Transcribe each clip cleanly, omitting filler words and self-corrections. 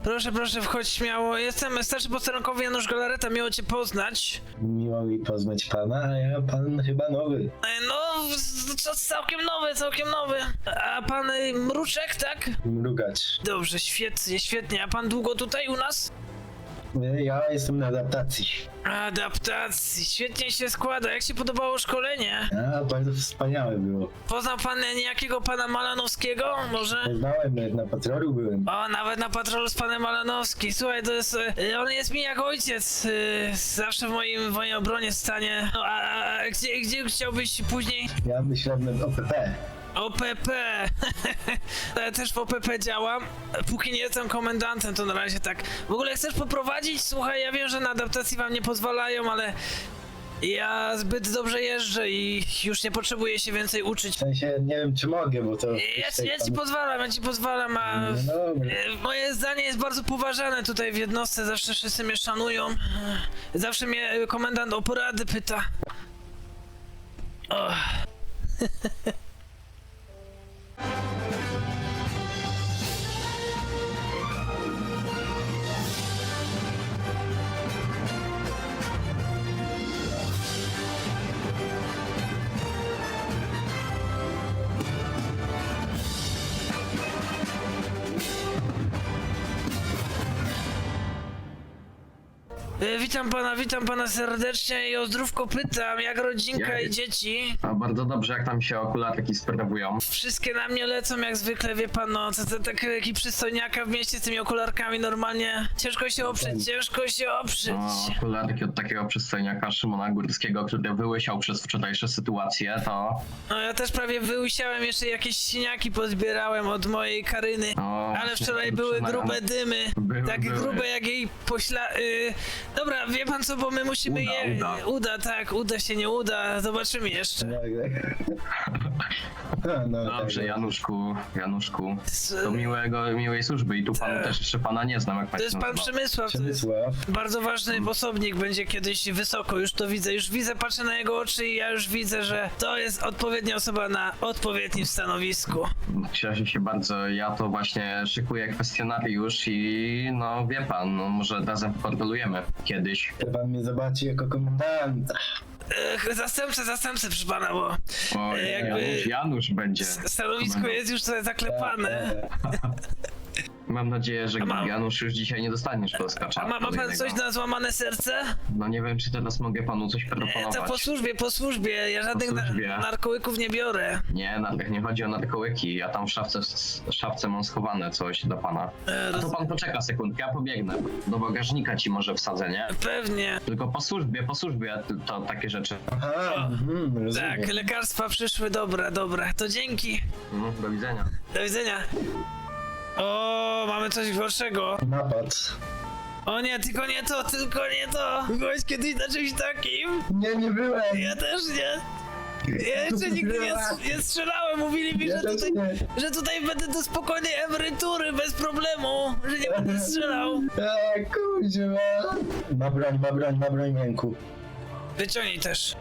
Proszę, proszę, wchodź śmiało. Jestem starszy posterunkowy Janusz Galareta, miło cię poznać. Miło mi poznać pana, a ja pan chyba nowy. No, całkiem nowy, całkiem nowy. A pan Mruczek, tak? Mrugacz. Dobrze, świetnie, świetnie. A pan długo tutaj u nas? Ja jestem na adaptacji. Adaptacji, świetnie się składa. Jak się podobało szkolenie? A, bardzo wspaniałe było. Poznał pan niejakiego pana Malanowskiego? Może? Poznałem, nawet na patrolu byłem. O, nawet na patrolu z panem Malanowskim. Słuchaj, to jest... on jest mi jak ojciec. Zawsze w mojej obronie stanie. No, a gdzie chciałbyś później? Ja myślałem nad OPP. OPP. Ja też w OPP działam. Póki nie jestem komendantem, to na razie tak. W ogóle chcesz poprowadzić? Słuchaj, ja wiem, że na adaptacji wam nie pozwalają, ale ja zbyt dobrze jeżdżę i już nie potrzebuję się więcej uczyć. W sensie, nie wiem czy mogę, bo to... Ja ci pozwalam, a No dobra. moje zdanie jest bardzo poważane tutaj w jednostce, zawsze wszyscy mnie szanują. Zawsze mnie komendant o porady pyta. Oh. Witam pana serdecznie i o zdrówko pytam, jak rodzinka i dzieci? A bardzo dobrze, jak tam się okularki sprawują. Wszystkie na mnie lecą jak zwykle, wie pan, no, to taki przystojniaka w mieście z tymi okularkami normalnie. Ciężko się oprzeć. Okularki od takiego przystojniaka Szymona Górskiego, który wyłysiał przez wczorajsze sytuacje, to... No ja też prawie wyłysiałem, jeszcze jakieś siniaki pozbierałem od mojej Karyny. O, Ale wczoraj były grube dymy, takie grube jak jej Dobra, wie pan co, bo my musimy uda się, nie uda, zobaczymy jeszcze. No, Dobrze, tak. Januszku, to miłej służby i tu panu też jeszcze pana nie znam, jak pan To jest się pan nazywa. Przemysław, to jest Przemysław. bardzo ważny osobnik, będzie kiedyś wysoko, już to widzę, patrzę na jego oczy i ja już widzę, że to jest odpowiednia osoba na odpowiednim stanowisku. Cieszę się bardzo, ja to właśnie szykuję kwestionariusz i no wie pan, no może razem portolujemy kiedyś. Chce pan mnie zobaczy jako komendanta. Zastępcę proszę pana, bo O, Janusz będzie. stanowisko jest już tutaj zaklepane. Mam nadzieję, że A mam- Janusz już dzisiaj nie dostanie szkolska A ma pan coś na złamane serce? No nie wiem, czy teraz mogę panu coś proponować. To po służbie, ja żadnych służbie. narkołyków nie biorę. Nie, nie chodzi o narkołyki. Ja tam w szafce mam schowane coś dla pana. A to pan poczeka sekundkę, ja pobiegnę. Do bagażnika ci może wsadzę, nie? Pewnie. Tylko po służbie to takie rzeczy. Aha, rozumiem. Tak, lekarstwa przyszły, dobra, to dzięki. Do widzenia. Do widzenia. O, mamy coś gorszego. Napad. O nie, tylko nie to. Byłeś kiedyś na czymś takim? Nie byłem. Ja też nie. Ja jeszcze nigdy nie strzelałem, mówili mi, Ja też nie. że tutaj będę do spokojnej emerytury, bez problemu, że nie będę strzelał. Kurwa. Ma broń w ręku. Wyciągnij też.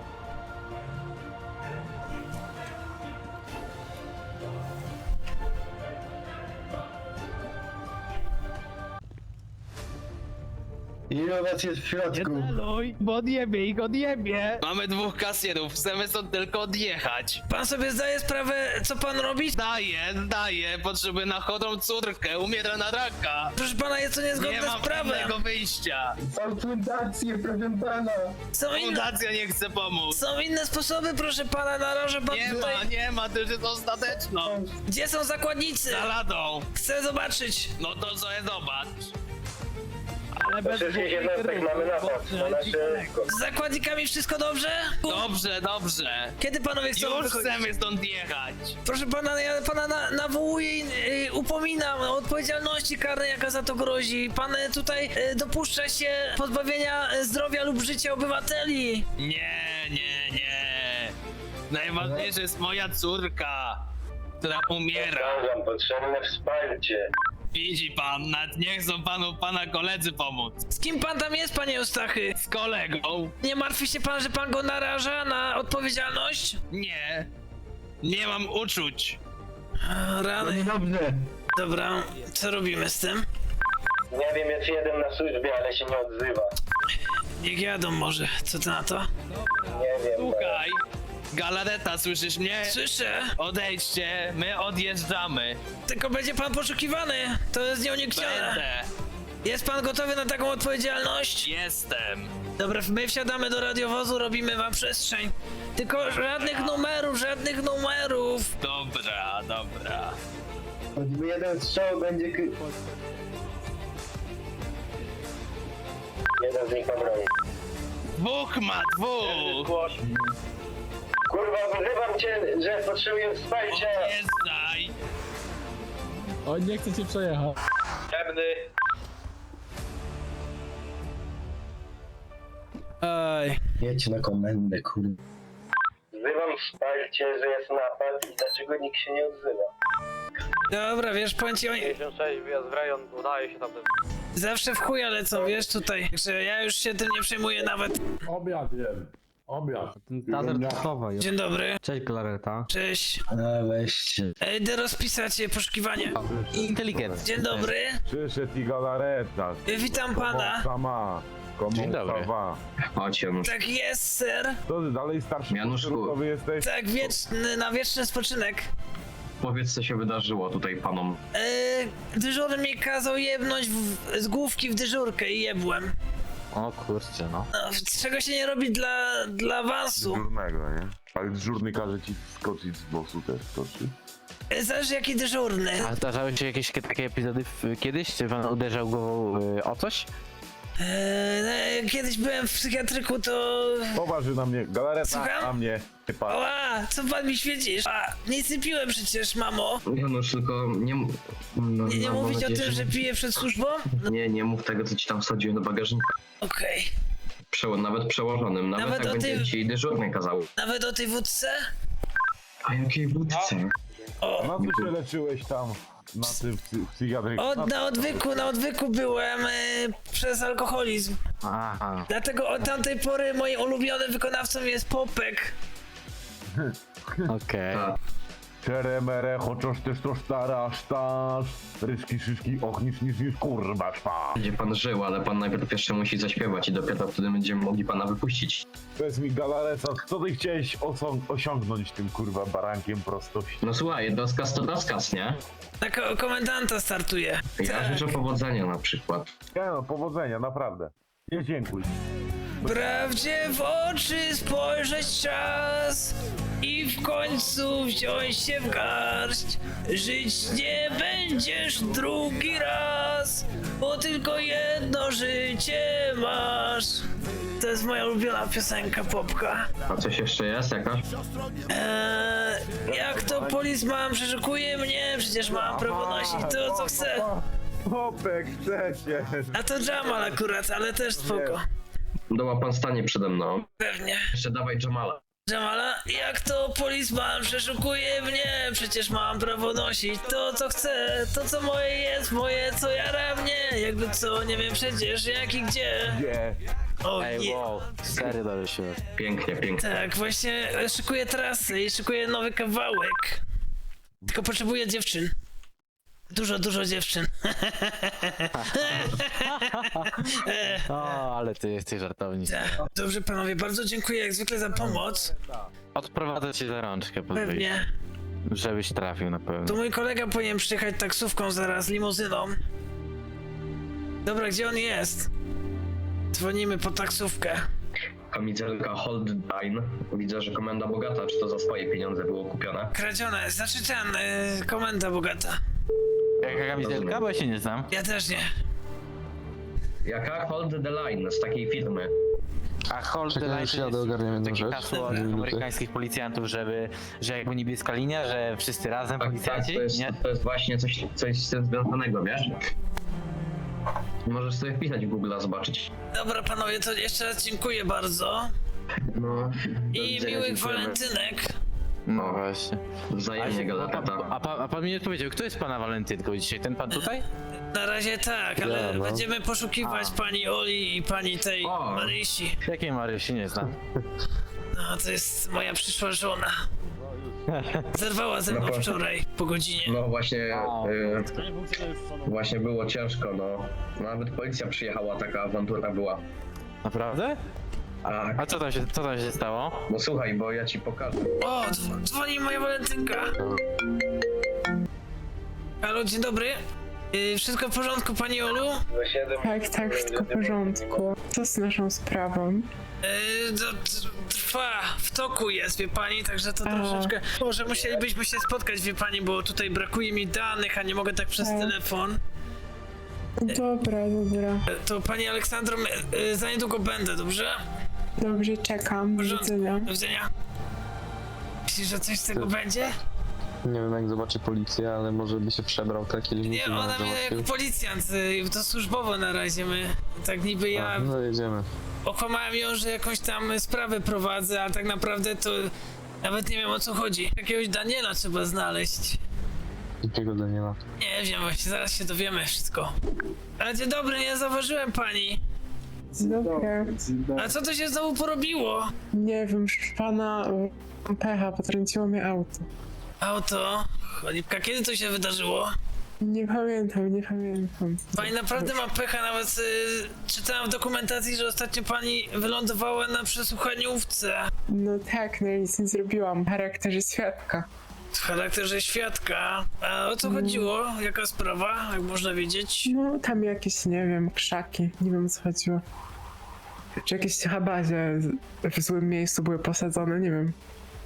Ile was jest w środku? Celuj, bo odjebie ich, odjebie! Mamy dwóch kasjerów, chcemy stąd tylko odjechać. Pan sobie zdaje sprawę, co pan robi? Zdaję, potrzebuję na chodą córkę, umiera na raka. Proszę pana, jest to Nie niezgodne z mam prawem. innego wyjścia. Są fundacje, proszę pana. Fundacja nie chce pomóc. Są inne sposoby, proszę pana, narażę pan tutaj. Nie ma, to już jest ostateczną. Gdzie są zakładnicy? Za ladą. Chcę zobaczyć. No to sobie zobacz. Ale bez Wszystkich jednostek mamy napad na nasze... Z zakładnikami wszystko dobrze? Dobrze. Kiedy panowie chcą Już wychodzić? chcemy stąd jechać. Proszę pana, ja pana nawołuję i upominam o odpowiedzialności karnej, jaka za to grozi. Pan tutaj dopuszcza się pozbawienia zdrowia lub życia obywateli. Nie. Najważniejsza jest moja córka, która umiera. Wam potrzebne wsparcie. Widzi pan, nawet nie chcą pana koledzy pomóc. Z kim pan tam jest, panie Eustachy? Z kolegą? Nie martwi się pan, że pan go naraża na odpowiedzialność? Nie mam uczuć. Rany. Dobrze. Dobra, co robimy z tym? Nie wiem, jest jeden na służbie, ale się nie odzywa. Niech jadą może, co ty na to? Nie wiem. Słuchaj, Galareta, słyszysz mnie? Słyszę, Odejdźcie, my odjeżdżamy. tylko będzie pan poszukiwany. To jest nieuniknione. Będę. Jest pan gotowy na taką odpowiedzialność? Jestem. Dobra, my wsiadamy do radiowozu, robimy wam przestrzeń. Tylko żadnych numerów, żadnych numerów. Dobra, dobra. Choćby jeden strzał będzie... Jeden z nich ma broń. Dwóch ma, dwóch. Kurwa, wzywam cię, że potrzebuję wsparcia. Odjeżdżaj. On nie chce cię przejechać. Ciemny. Oj. Jedź na komendę, kurwa. Wzywam wsparcie, że jest napad i dlaczego nikt się nie odzywa. Dobra, wiesz, powiem ci, oni 56, wyjazd w rejon, udaje się tam ten... zawsze w chuja lecą, wiesz, tutaj. Że ja już się tym nie przejmuję nawet. Obiad jem. Obiad. Tazer Trzowa jest. Dzień dobry. Cześć Galareta. Cześć. A weźcie. Idę rozpisać poszukiwanie. Inteligentny. Dzień dobry. Przyszedł i galareta. Witam pana. Sama. Komu Dzień dobry. sama. Chodź, Janusz. Tak jest, ser. To ty dalej starszy Januszku. ruchowy jesteś? Tak, wieczny, na wieczny spoczynek. Powiedz, co się wydarzyło tutaj panom. Dyżurny mi kazał jebnąć z główki w dyżurkę i jebłem. O kurczę, no. No, czego się nie robi dla awansu. Dyżurnego, nie? Ale dyżurny każe ci skoczyć z bosu też skoczy. Zależy jaki dyżurny. A zdarzały się jakieś takie epizody kiedyś? Czy pan uderzał go o coś? Kiedyś byłem w psychiatryku, to... Poważy na mnie galareta, Słucham? a mnie nie patrz. Oła, co pan mi świecisz? A, nic nie piłem przecież, mamo. Janusz, tylko nie... No, Nie mam mówić o nadzieję, tym, że piję przed służbą? Nie mów tego, co ci tam wsadziłem do bagażnika. Okej. Nawet przełożonym, nawet Nawet jak o będzie tym- ci dyżurny kazał. Nawet o tej wódce? A jakiej wódce? O, Na co się leczyłeś tam na tym psychiatryku? na odwyku byłem przez alkoholizm. Aha. Dlatego od tamtej pory moim ulubionym wykonawcą jest Popek. Okej. A, Czeremere, chociaż też to starasz, tasz. Ryczki, szyszki, och, niż, kurwa, szpa. będzie pan żył, ale pan najpierw jeszcze musi zaśpiewać i dopiero wtedy będziemy mogli pana wypuścić. Powiedz mi, galareta, co ty chciałeś osiągnąć tym, kurwa, barankiem prostości? No słuchaj, rozkaz to rozkaz, nie? Na komendanta startuje. Ja życzę powodzenia na przykład. Ja no, powodzenia, naprawdę. Nie dziękuj. Prawdzie w oczy spojrzeć czas i w końcu wziąć się w garść. Żyć nie będziesz drugi raz, bo tylko jedno życie masz. To jest moja ulubiona piosenka Popka. A coś jeszcze jest jakaś? Jak to polizman przeszukuje mnie, przecież mam prawo nosić to co chcę. Popek, chcecie. A to Jamal akurat, ale też spoko. Doła pan stanie przede mną. Pewnie. Jeszcze dawaj Jamala. Jamala, jak to polizman przeszukuje mnie, przecież mam prawo nosić to co chcę, to co moje jest, moje co jara mnie, jakby co, nie wiem przecież jak i gdzie. Gdzie? O Ej, nie. wow. Serio dobrze się. Pięknie, pięknie. Tak, właśnie szykuję trasy i szykuję nowy kawałek. Tylko potrzebuję dziewczyn. Dużo dziewczyn. O, ale ty jesteś żartownik. Tak. Dobrze panowie, bardzo dziękuję jak zwykle za pomoc. Odprowadzę cię za rączkę, Pewnie. żebyś trafił na pewno. To mój kolega powinien przyjechać taksówką zaraz, limuzyną. Dobra, gdzie on jest? Dzwonimy po taksówkę. Kamizelka Hold Dine. Widzę, że komenda bogata. Czy to za swoje pieniądze było kupione? Kradzione, znaczy ten, komenda bogata. Jaka kamizelka? Bo ja się nie znam. Ja też nie. Jaka? Hold the Line z takiej firmy. A hold the line to jest takie hasło od amerykańskich policjantów, że jakby niebieska linia, że wszyscy razem Tak, policjanci, nie? to jest właśnie coś z tym związanego, wiesz? Możesz sobie wpisać w Google, zobaczyć. Dobra panowie, to jeszcze raz dziękuję bardzo. No. do I widzenia, miłych dziękujemy. walentynek. No właśnie. Wzajemnie, Galareta. A pan mi nie odpowiedział, kto jest pana walentynką dzisiaj? Ten pan tutaj? Na razie tak, ale będziemy poszukiwać pani Oli i pani tej O. Marysi. Jakiej Marysi nie znam? No, to jest moja przyszła żona. Zerwała ze mną No po- wczoraj po godzinie. No właśnie, O, właśnie było ciężko, no. Nawet policja przyjechała, taka awantura była. Naprawdę? A, A co tam się stało? no słuchaj, bo ja ci pokażę. O, dzwoni moja walentynka. Halo, dzień dobry. Wszystko w porządku, pani Olu? Tak, wszystko w porządku. Co z naszą sprawą? Trwa, w toku jest, wie pani, także to troszeczkę... Może musielibyśmy się spotkać, wie pani, bo tutaj brakuje mi danych, a nie mogę tak przez telefon. Dobra. To pani Aleksandro, za niedługo będę, dobrze? Dobrze, czekam. Do widzenia. Do widzenia. Myślisz, że coś z tego będzie? Nie wiem jak zobaczy policję, ale może by się przebrał taki Nie, limit. ona mnie jako policjant, to służbowo na razie my, tak niby ja No jedziemy. okłamałem ją, że jakąś tam sprawę prowadzę, a tak naprawdę to nawet nie wiem o co chodzi. Jakiegoś Daniela trzeba znaleźć. Jakiego Daniela? Nie wiem, właśnie zaraz się dowiemy wszystko. Ale dzień dobry, nie zauważyłem pani. Dobra. A co to się znowu porobiło? Nie wiem, pana pecha, potrąciło mnie auto. Auto? Cholipka, kiedy to się wydarzyło? Nie pamiętam. Pani naprawdę ma pecha, nawet czytałem w dokumentacji, że ostatnio pani wylądowała na przesłuchaniówce. No tak, no nic nie zrobiłam. W charakterze świadka. W charakterze świadka. A o co chodziło? Jaka sprawa, jak można wiedzieć? No tam jakieś, nie wiem, krzaki. Nie wiem o co chodziło. Czy jakieś habazie w złym miejscu były posadzone, nie wiem.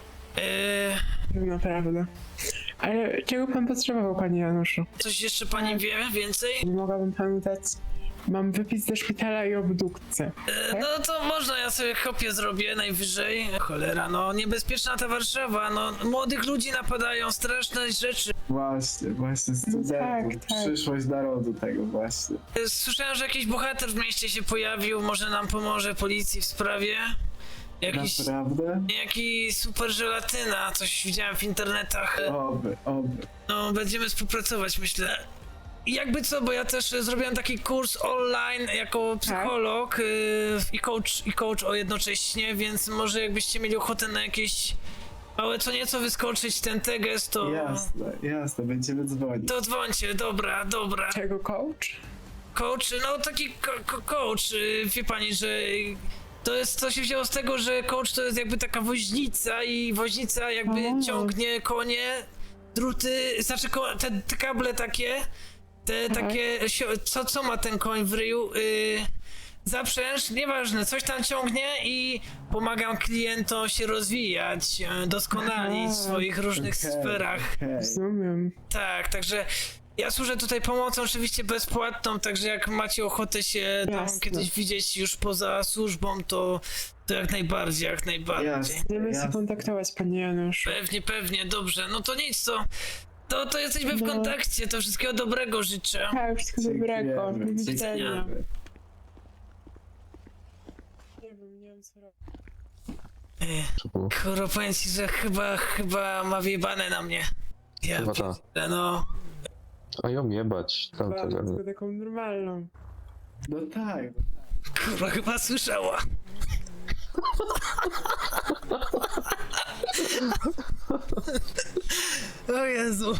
Naprawdę. Ale czego pan potrzebował, panie Januszu? Coś jeszcze pani wie więcej? Nie mogłabym panu dać. Mam wypis ze szpitala i obdukcję. No to można, ja sobie kopię zrobię najwyżej. Cholera, no niebezpieczna ta Warszawa, no młodych ludzi napadają, straszne rzeczy. Właśnie studentów, Tak. przyszłość narodu tego właśnie. Słyszałem, że jakiś bohater w mieście się pojawił, może nam pomoże policji w sprawie. Jakiś, Naprawdę? jaki super żelatyna, coś widziałem w internetach. Oby. No, będziemy współpracować, myślę. I jakby co, bo ja też zrobiłem taki kurs online jako psycholog i coach jednocześnie, więc może jakbyście mieli ochotę na jakieś małe co nieco wyskoczyć ten teges, to... Jasne, będziemy dzwonić. To dzwońcie, dobra. Czego coach? Coach, no taki coach, wie pani, że... To się wzięło z tego, że coach to jest jakby taka woźnica i woźnica jakby ciągnie konie, druty, znaczy te kable takie, takie, co ma ten koń w ryju, zaprzęż, nieważne, coś tam ciągnie i pomagam klientom się rozwijać, doskonalić w swoich różnych sferach. Rozumiem. Tak, także ja służę tutaj pomocą oczywiście bezpłatną, także jak macie ochotę się tam Jasne. kiedyś widzieć już poza służbą, to jak najbardziej. Będziemy się kontaktować, panie Januszu. Pewnie, dobrze. No to nic, to jesteśmy w kontakcie, to wszystkiego dobrego życzę. Tak, wszystkiego dobrego. Do widzenia. Nie wiem co robić. Kurwa, powiem ci, że chyba ma wjebane na mnie. Ja Chyba ta. pierdolę, no. A ją jebać. Tylko taką normalną. No tak. Kurwa, chyba słyszała. O Jezu.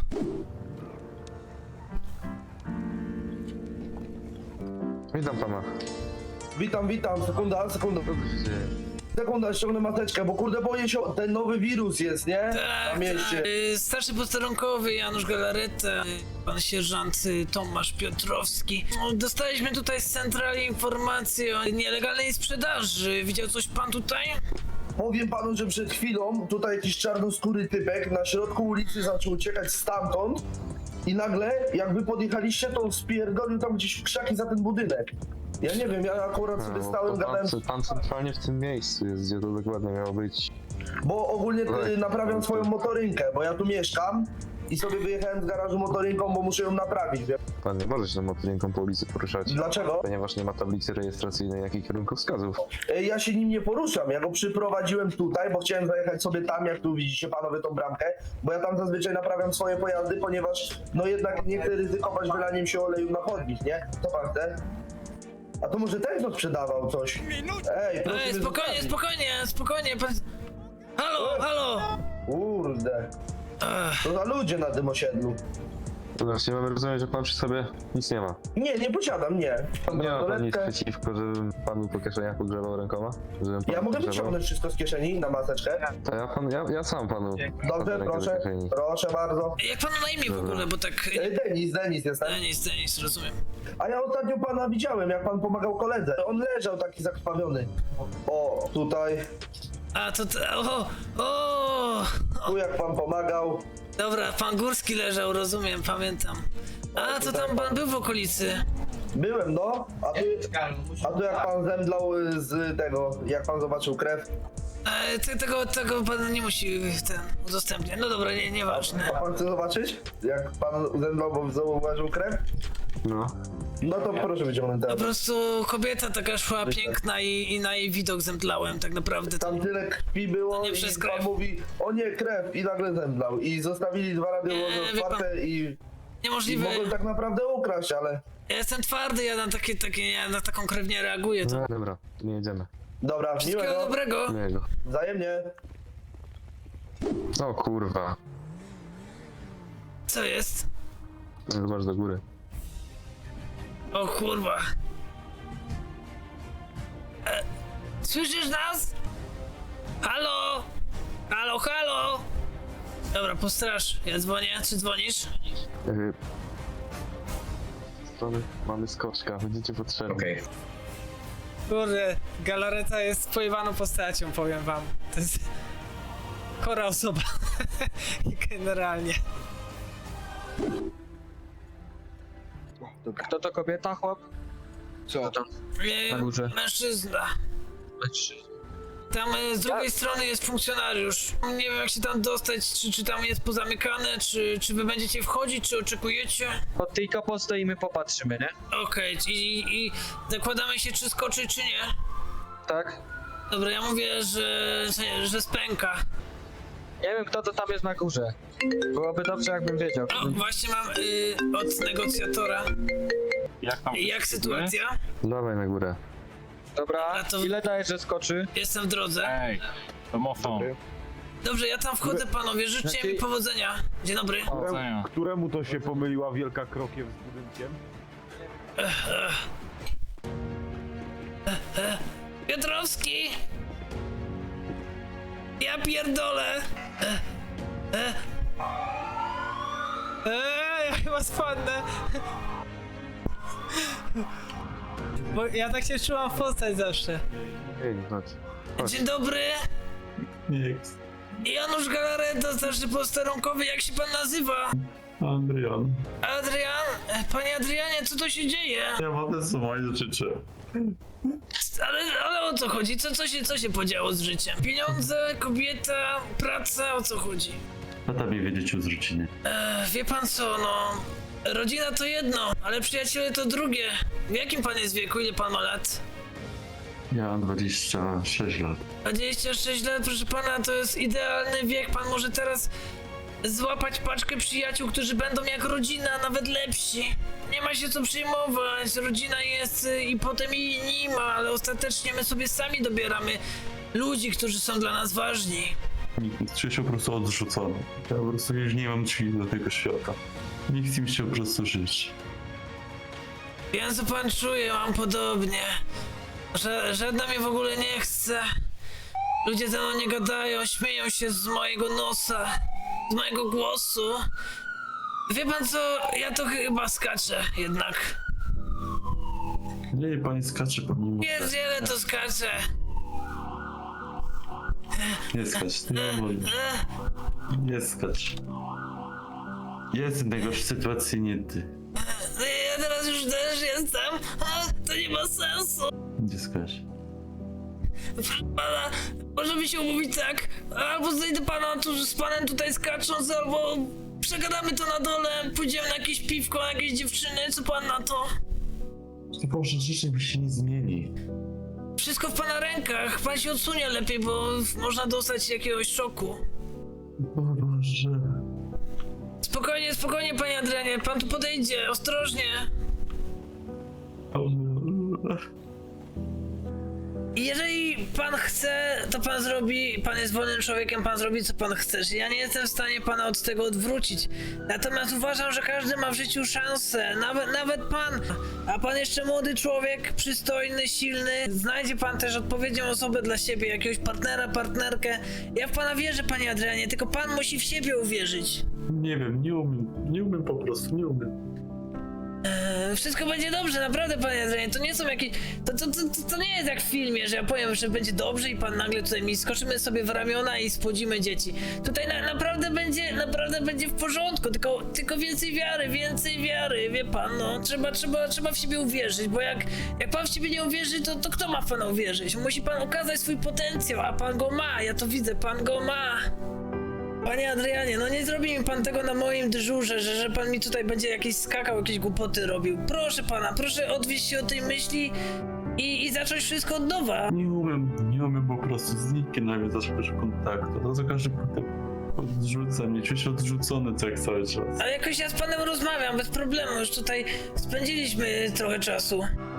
Witam pana. Witam, sekunda. Sekunda, ściągnę maseczkę, bo kurde boję się, ten nowy wirus jest, nie? Tak, Na mieście. starszy posterunkowy Janusz Galareta, pan sierżant Tomasz Piotrowski. No, dostaliśmy tutaj z centrali informację o nielegalnej sprzedaży. Widział coś pan tutaj? Powiem panu, że przed chwilą tutaj jakiś czarnoskóry typek na środku ulicy zaczął uciekać stamtąd i nagle jakby podjechaliście, to spierdolił tam gdzieś w krzaki za ten budynek. Ja nie wiem, ja akurat sobie stałem, gadałem... Pan centralnie w tym miejscu jest, gdzie to dokładnie miało być. Bo ogólnie naprawiam swoją motorynkę, bo ja tu mieszkam i sobie wyjechałem z garażu motorynką, bo muszę ją naprawić, wie? Pan nie może się tą motorynką po ulicy poruszać. Dlaczego? Ponieważ nie ma tablicy rejestracyjnej, jak i kierunkowskazów. Ja się nim nie poruszam, ja go przyprowadziłem tutaj, bo chciałem zajechać sobie tam, jak tu widzicie panowie tą bramkę, bo ja tam zazwyczaj naprawiam swoje pojazdy, ponieważ no jednak nie chcę ryzykować wylaniem się oleju na chodnik, nie? Co pan chce? A to może ten, kto sprzedawał coś? Ej, proszę mnie Spokojnie. Pan... Halo! Kurde. To za ludzie na tym osiedlu. To znaczy, mamy rozumieć, że pan przy sobie nic nie ma. Nie posiadam, nie. Mam Nie ma pan nic bransoletkę. przeciwko, żebym panu po kieszeniach pogrzebał rękoma? Żebym panu Ja mogę pogrzebał? wyciągnąć wszystko z kieszeni na maseczkę. To ja sam panu. Dobrze, rękę do proszę. kieszeni. Proszę bardzo. Jak panu na imię w ogóle, bo tak... Denis jestem. Denis, rozumiem. A ja ostatnio pana widziałem, jak pan pomagał koledze. On leżał taki zakrwawiony. O, tutaj. A, o! Tu jak pan pomagał. Dobra, pan Górski leżał, rozumiem, pamiętam. A, to tam pan był w okolicy. Byłem, no. A tu jak pan zemdlał z tego, jak pan zobaczył krew. Tego pan nie musi udostępniać. No dobra, nieważne. A pan chce zobaczyć? Jak pan zemdlał, bo zauważył krew? No. No to proszę wyciągnąć Po teraz. prostu kobieta taka szła piękna i na jej widok zemdlałem tak naprawdę. Tam tyle krwi było nie i przez pan krew. mówi, o nie, krew i nagle zemdlał. I zostawili 2 radiowozy Nie, wie pan, otwarte i Niemożliwe. mogłem tak naprawdę ukraść, ale... Ja jestem twardy, ja na taką krew nie reaguję. To... No, dobra, nie jedziemy. Dobra, Wszystkiego miłego. dobrego. Miłego. Wzajemnie. O kurwa. Co jest? Zobacz do góry. O kurwa. Słyszysz nas? Halo? Halo? Dobra, postrasz. Ja dzwonię. Czy dzwonisz? Strony mamy skoczka, będziecie potrzebni. Okej. Kurde, Galareta jest pojebaną postacią, powiem wam. To jest chora osoba. Generalnie. Kto to kobieta, chłop? Co? Na górze. Mężczyzna. Tam z drugiej strony jest funkcjonariusz. Nie wiem jak się tam dostać, czy tam jest pozamykane, czy wy będziecie wchodzić, czy oczekujecie? Pod tylko postoimy, popatrzymy, nie? Okej, i zakładamy się czy skoczy, czy nie? Tak? Dobra, ja mówię, że spęka. Nie wiem, kto to tam jest na górze. Byłoby dobrze, jakbym wiedział. O, właśnie mam od negocjatora. Jak sytuacja? Dawaj na górę. Dobra, A to- ile dajesz, że skoczy? Jestem w drodze. Ej, domofon. Dobrze, ja tam wchodzę panowie, życzcie mi powodzenia. Dzień dobry. Któremu to się pomyliła wielka krokiew z budynkiem? Piotrowski! Ja pierdolę! Ja chyba spadnę. Bo ja tak się czułam w postać zawsze. Ej, chodź. Chodź. Dzień dobry! Janusz Galareta, starszy posterunkowy, jak się pan nazywa? Adrian. Adrian? Panie Adrianie, co to się dzieje? Ja mam słuchaj życzę. Ale o co chodzi? Co się podziało z życiem? Pieniądze, kobieta, praca, o co chodzi? A tobie wiedzieć o zrzucinie. Wie pan co, no... Rodzina to jedno, ale przyjaciele to drugie. W jakim pan jest wieku? Ile pan ma lat? Ja mam 26 lat. 26 lat, proszę pana, to jest idealny wiek. Pan może teraz złapać paczkę przyjaciół, którzy będą jak rodzina, nawet lepsi. Nie ma się co przejmować, rodzina jest i potem jej nie ma, ale ostatecznie my sobie sami dobieramy ludzi, którzy są dla nas ważni. Czuję się po prostu odrzucony. Ja po prostu już nie mam drzwi do tego świata. Nie chcę mi się po prostu żyć. Wiem co pan czuje, mam podobnie. Żadna mnie w ogóle nie chce. Ludzie ze mną nie gadają, śmieją się z mojego nosa, z mojego głosu. Wie pan co, ja to chyba skaczę jednak. Nie, pani skacze po nim. Pierdziele to skaczę. Nie skacz, nie wolno. Nie skacz. Jestem w najgorszej sytuacji, nie ty. Ja teraz już też jestem. To nie ma sensu. Nie skacz. Proszę pana, możemy się umówić tak, albo znajdę pana tu z panem tutaj skacząc, albo przegadamy to na dole, pójdziemy na jakieś piwko, na jakieś dziewczyny, co pan na to? Boże, życie mi się nie zmieni. Wszystko w pana rękach, pan się odsunie lepiej, bo można dostać jakiegoś szoku. O Boże. Spokojnie, panie Adrianie, pan tu podejdzie, ostrożnie. I jeżeli pan chce, to pan zrobi, pan jest wolnym człowiekiem, pan zrobi co pan chce. Ja nie jestem w stanie pana od tego odwrócić. Natomiast uważam, że każdy ma w życiu szansę, nawet pan. A pan jeszcze młody człowiek, przystojny, silny. Znajdzie pan też odpowiednią osobę dla siebie, jakiegoś partnera, partnerkę. Ja w pana wierzę, panie Adrianie, tylko pan musi w siebie uwierzyć. Nie wiem, nie umiem po prostu, nie umiem. Wszystko będzie dobrze, naprawdę, panie Adrianie, to nie są jakieś... To nie jest jak w filmie, że ja powiem, że będzie dobrze i pan nagle tutaj mi skoczymy sobie w ramiona i spłodzimy dzieci. Tutaj naprawdę będzie w porządku, tylko więcej wiary, wie pan, no. Trzeba w siebie uwierzyć, bo jak pan w siebie nie uwierzy, to kto ma w pana uwierzyć? Musi pan okazać swój potencjał, a pan go ma, ja to widzę, pan go ma. Panie Adrianie, no nie zrobi mi pan tego na moim dyżurze, że pan mi tutaj będzie jakieś skakał, jakieś głupoty robił. Proszę pana, proszę odwieźć się od tej myśli i zacząć wszystko od nowa. Nie umiem po prostu, z nikim nawiązać kontaktu. To za każdym punktem odrzuca mnie, czuję się odrzucony tak cały czas. Ale jakoś ja z panem rozmawiam, bez problemu, już tutaj spędziliśmy trochę czasu.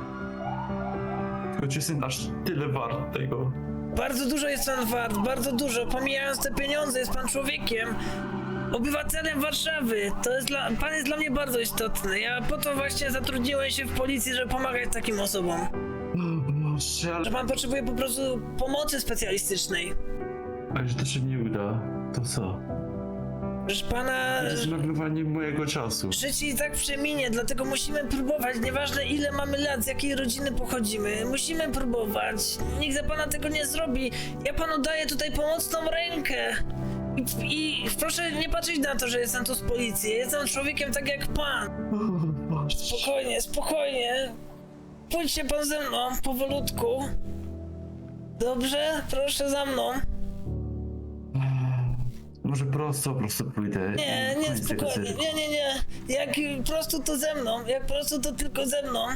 Choć jestem aż tyle wart tego. Bardzo dużo jest pan wart, bardzo dużo. Pomijając te pieniądze, jest pan człowiekiem. Obywatelem Warszawy. Pan jest dla mnie bardzo istotny. Ja po to właśnie zatrudniłem się w policji, żeby pomagać takim osobom. Boże, ale... Że pan potrzebuje po prostu pomocy specjalistycznej. A jeśli to się nie uda, to co? Proszę pana... To jest zmarnowanie mojego czasu. Życie i tak przeminie, dlatego musimy próbować, nieważne ile mamy lat, z jakiej rodziny pochodzimy, musimy próbować. Nikt za pana tego nie zrobi. Ja panu daję tutaj pomocną rękę. I proszę nie patrzeć na to, że jestem tu z policji. Jestem człowiekiem tak jak pan. Spokojnie. Pójdźcie pan ze mną, powolutku. Dobrze? Proszę za mną. Może prosto pójdę. Nie, Koniec tego spokojnie, cyrku. nie. Jak prosto to ze mną, jak prosto to tylko ze mną.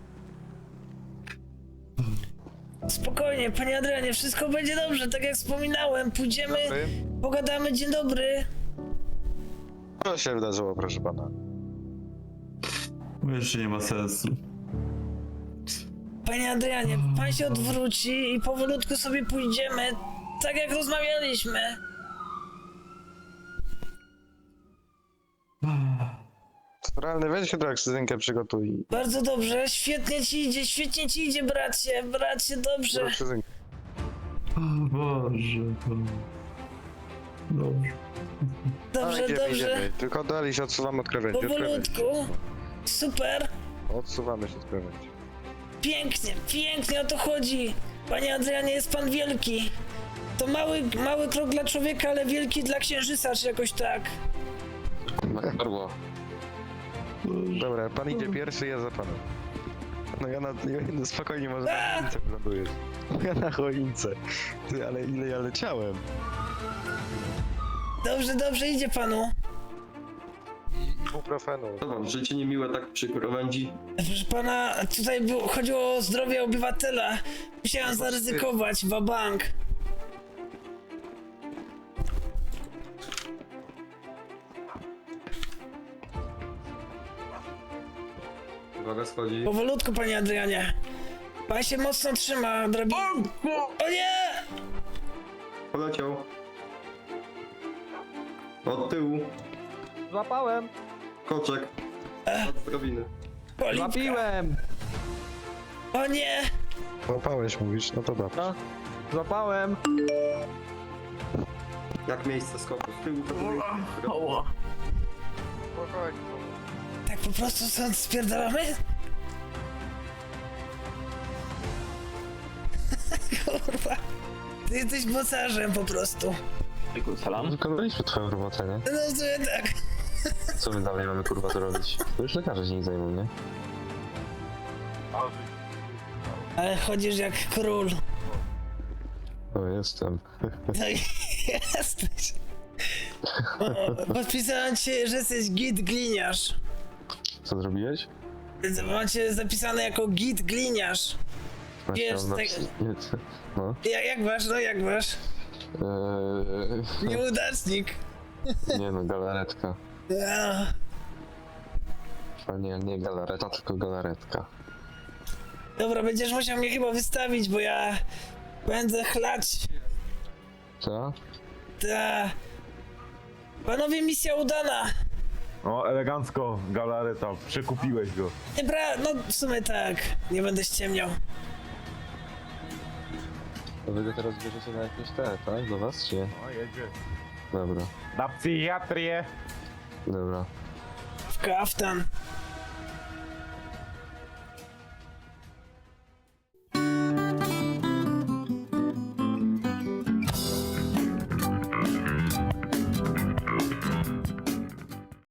Spokojnie, panie Adrianie, wszystko będzie dobrze, tak jak wspominałem. Pójdziemy, pogadamy, dzień dobry. Co się wydarzyło, proszę pana? Bo jeszcze nie ma sensu. Panie Adrianie, pan się odwróci i powolutku sobie pójdziemy, tak jak rozmawialiśmy. Realny, weź hydroksydynkę przygotuj. Bardzo dobrze, świetnie ci idzie, bracie, dobrze. Hydroksydynkę. O Boże. Dobrze. Dobrze, Tylko dali się odsuwamy od krawędzi. powolutku. Super, Odsuwamy się od krawędzi. pięknie o to chodzi. Panie Adrianie, jest pan wielki. To mały krok dla człowieka, ale wielki dla księżyca, czy jakoś tak. Perło. Dobra, pan idzie pierwszy, ja za panem. No ja spokojnie może na choince wylądujesz. Ja na choince. Ty, ale ile ja leciałem? Dobrze, idzie panu. Ibuprofenu. Co wam, życie niemiłe tak przy krawędzi? Proszę pana, tutaj chodziło o zdrowie obywatela. Musiałem zaryzykować, wabank. Uwaga, schodzi. Powolutku, panie Adrianie. Pan się mocno trzyma, drabiny. O nie! Poleciał. Od tyłu. Złapałem! Koczek. Od drabiny. Polipka. Złapiłem! O nie! Łapałeś, mówisz? No to dobrze. No, złapałem! Jak miejsce skoku. Z tyłu to były. Tak po prostu stąd spierdalamy? Kurwa. Ty jesteś mocarzem po prostu. Salam? Wykonaliśmy twoją robotę, nie? No w sumie tak. Co my dalej mamy kurwa to robić? To już lekarze się nie zajmą, nie? Ale chodzisz jak król. No jestem. No i jesteś. Podpisałem cię, że jesteś git gliniarz. Co zrobiłeś? Macie zapisane jako git gliniarz. Wiesz, tak... No. Jak masz? Nieudacznik. Nie no, galaretka. Ja. A nie galareta, tylko galaretka. Dobra, będziesz musiał mnie chyba wystawić, bo ja będę chlać. Co? Ta. Panowie, misja udana. O, elegancko, galareta, przekupiłeś go. No w sumie tak, nie będę ściemniał. To wy go teraz bierzecie na jakieś tak? Do was, czy nie? O, jedzie. Dobra, Na psychiatrię. dobra. W kaftan.